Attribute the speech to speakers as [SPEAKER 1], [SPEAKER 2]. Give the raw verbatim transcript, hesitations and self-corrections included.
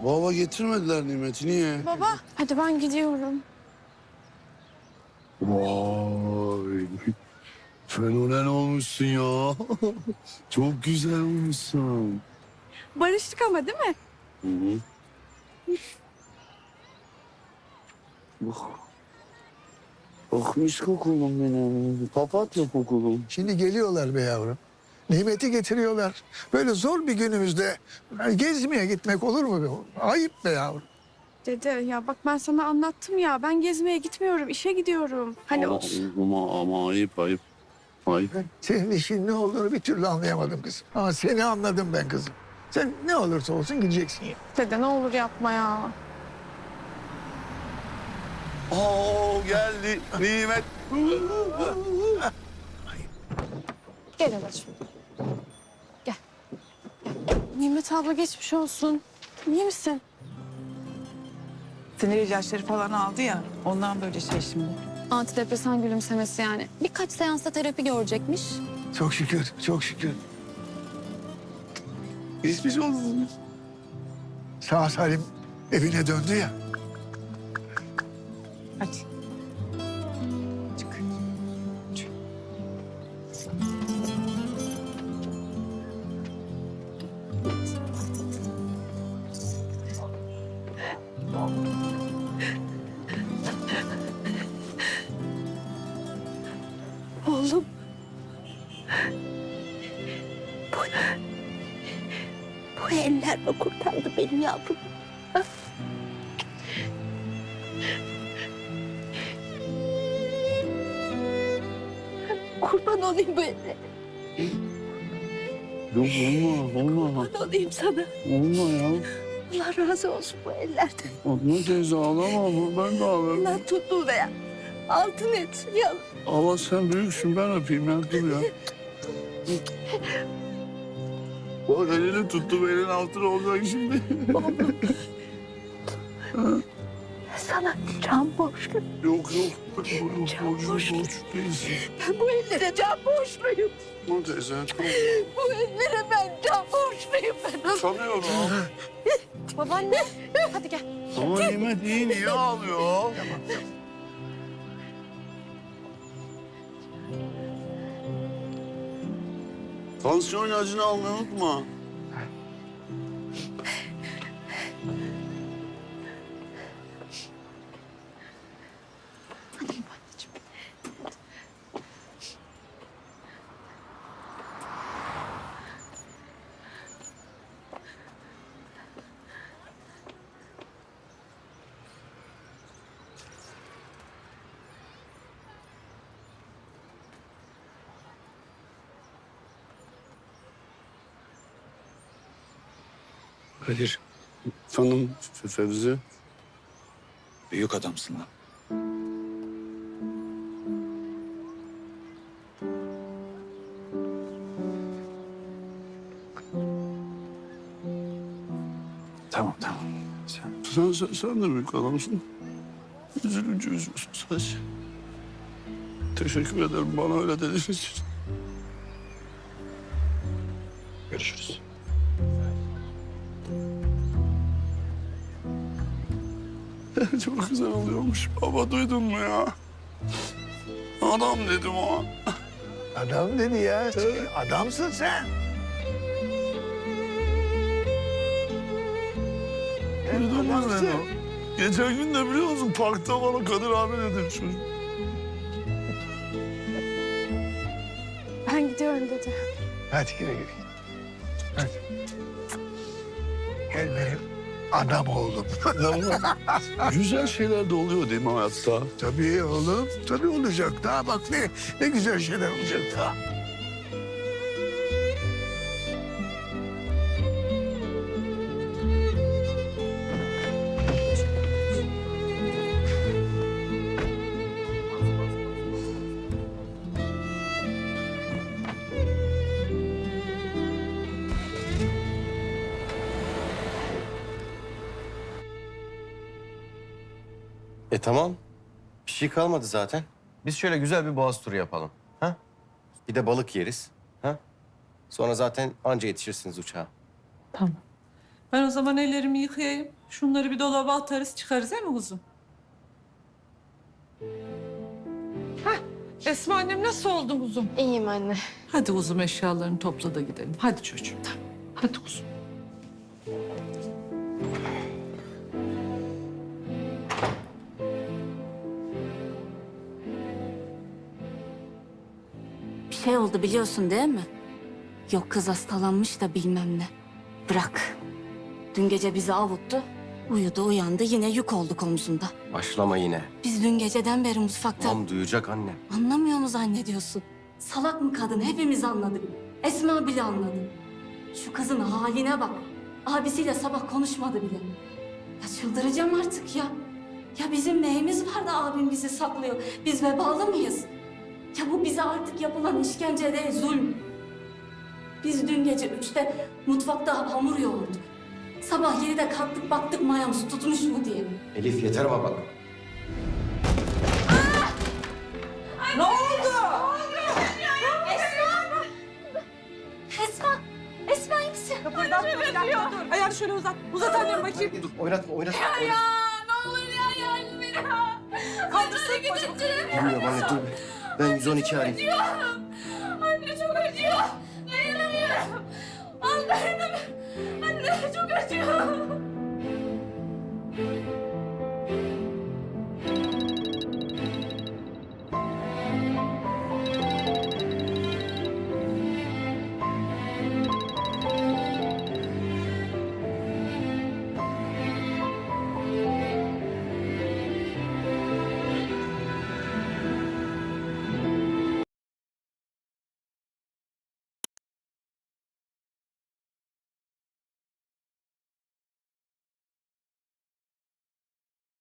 [SPEAKER 1] Baba getirmediler Nimet'i, niye?
[SPEAKER 2] Baba, hadi ben gidiyorum.
[SPEAKER 1] Vay, fenomen olmuşsun ya. Çok güzel olmuşsun.
[SPEAKER 2] Barıştık ama değil mi?
[SPEAKER 1] Hı hı. Oh. Oh mis kokulum benim. Papatya kokulum.
[SPEAKER 3] Şimdi geliyorlar be yavrum. Nimeti getiriyorlar. Böyle zor bir günümüzde yani gezmeye gitmek olur mu be? Ayıp be yavrum.
[SPEAKER 2] Dede ya bak ben sana anlattım ya. Ben gezmeye gitmiyorum, işe gidiyorum. Hani
[SPEAKER 1] ama,
[SPEAKER 2] o...
[SPEAKER 1] ama, ama ayıp ayıp. Ayıp.
[SPEAKER 3] Senin işin ne olduğunu bir türlü anlayamadım kızım. Ama seni anladım ben kızım. Sen ne olursa olsun gideceksin ya.
[SPEAKER 2] Dede ne olur yapma ya.
[SPEAKER 1] Oo geldi Nimet.
[SPEAKER 2] Gel anacığım. Gel. Gel. Nimet abla geçmiş olsun. İyi misin?
[SPEAKER 4] Sinir ilaçları falan aldı ya, ondan böyle şey şimdi.
[SPEAKER 5] Antidepresan gülümsemesi yani. Birkaç seansta terapi görecekmiş.
[SPEAKER 3] Çok şükür, çok şükür.
[SPEAKER 1] Geçmiş olsun.
[SPEAKER 3] Sağ salim evine döndü ya.
[SPEAKER 4] Hadi. Çık. Çık.
[SPEAKER 2] Oğlum.
[SPEAKER 6] Bu eller mi kurtardı benim yavrum? Ha? Kurban olayım bu ellere.
[SPEAKER 1] Yok olma, olma.
[SPEAKER 6] Kurban olayım sana.
[SPEAKER 1] Olma ya.
[SPEAKER 6] Allah razı olsun bu ellerden.
[SPEAKER 1] Fatma teyze ağlama, ben de ağlarım.
[SPEAKER 6] Allah tuttuğuna ya. Altın etsin yavrum.
[SPEAKER 1] Allah sen büyüksün, ben öpeyim ya, dur ya. Bak elini tuttu, elin altına olacak şimdi.
[SPEAKER 6] Sana can borçlu.
[SPEAKER 1] Yok yok, yok,
[SPEAKER 6] Can
[SPEAKER 1] borç,
[SPEAKER 6] borçlu.
[SPEAKER 1] borç değilsin.
[SPEAKER 6] Ben bu ellere can borçluyum.
[SPEAKER 1] Fatma teyze, tamam.
[SPEAKER 6] Bu ellere ben can borçluyum ben.
[SPEAKER 1] Sanıyorum.
[SPEAKER 2] Babaanne. Hadi gel.
[SPEAKER 1] Ama Nimet iyi, niye ağlıyor? Tansiyon ilacını almayı unutma.
[SPEAKER 7] Kadir,
[SPEAKER 1] Efendim Fe- Fevzi.
[SPEAKER 7] büyük adamsın lan. Tamam, tamam. Sen...
[SPEAKER 1] Sen, sen, sen de büyük adamsın. Üzülünce üzüyorsun sadece. Teşekkür ederim bana öyle dediğiniz için.
[SPEAKER 7] Görüşürüz.
[SPEAKER 1] Çok güzel oluyormuş. Baba duydun mu ya? Adam dedim o.
[SPEAKER 3] Adam dedi ya. Adamsın sen.
[SPEAKER 1] Duydun mu
[SPEAKER 3] Adamsın.
[SPEAKER 1] beni? Geçen gün de biliyor musun parkta bana Kadir abi dedim çocuk.
[SPEAKER 2] Ben gidiyorum dede.
[SPEAKER 3] Hadi güle güle. Hadi. Gel benim adam oğlum.
[SPEAKER 1] Güzel şeyler de oluyor değil mi hayatta?
[SPEAKER 3] Tabii oğlum, tabii olacak. Daha bak ne, ne güzel şeyler olacak daha.
[SPEAKER 8] E tamam. Bir şey kalmadı zaten. Biz şöyle güzel bir boğaz turu yapalım. Ha? Bir de balık yeriz. Ha? Sonra zaten anca yetişirsiniz uçağa.
[SPEAKER 4] Tamam.
[SPEAKER 9] Ben o zaman ellerimi yıkayayım. Şunları bir dolaba atarız çıkarız değil mi kuzum? Hah, Esma annem nasıl oldun kuzum?
[SPEAKER 5] İyiyim anne.
[SPEAKER 9] Hadi kuzum eşyalarını topla da gidelim. Hadi çocuğum. Hadi kuzum.
[SPEAKER 6] Bir şey oldu biliyorsun değil mi? Yok kız hastalanmış da bilmem ne. Bırak. Dün gece bizi avuttu. Uyudu uyandı yine yük olduk omzunda.
[SPEAKER 8] Başlama yine.
[SPEAKER 6] Biz dün geceden beri mutfakta...
[SPEAKER 8] Tamam duyacak anne.
[SPEAKER 6] Anlamıyor mu zannediyorsun? Salak mı kadın? Hepimiz anladık. Esma bile anladı. Şu kızın haline bak. Abisiyle sabah konuşmadı bile. Ya çıldıracağım artık ya. Ya bizim neyimiz var da abim bizi saklıyor? Biz vebalı mıyız? Ya bu bize artık yapılan işkence değil, zulm. Biz dün gece üçte mutfakta hamur yoğurduk. Sabah yedide kalktık baktık mayamız tutmuş mu diye.
[SPEAKER 8] Elif yeter ama bak.
[SPEAKER 9] Ne oldu?
[SPEAKER 6] Esma! Esma iyi misin?
[SPEAKER 9] Kıpırdatma bir dakika dur. Ayağını şöyle uzat. Uzat annem bakayım.
[SPEAKER 8] Dur oynatma oynatma. oynatma.
[SPEAKER 5] Ne olur ya yardım edin.
[SPEAKER 9] Kaldırsın
[SPEAKER 8] Bilmiyorum anne dur. Ben yüz on iki arayayım.
[SPEAKER 5] Anne çok acıyor. Dayanamıyorum. Allah'ım. Anne çok acıyor.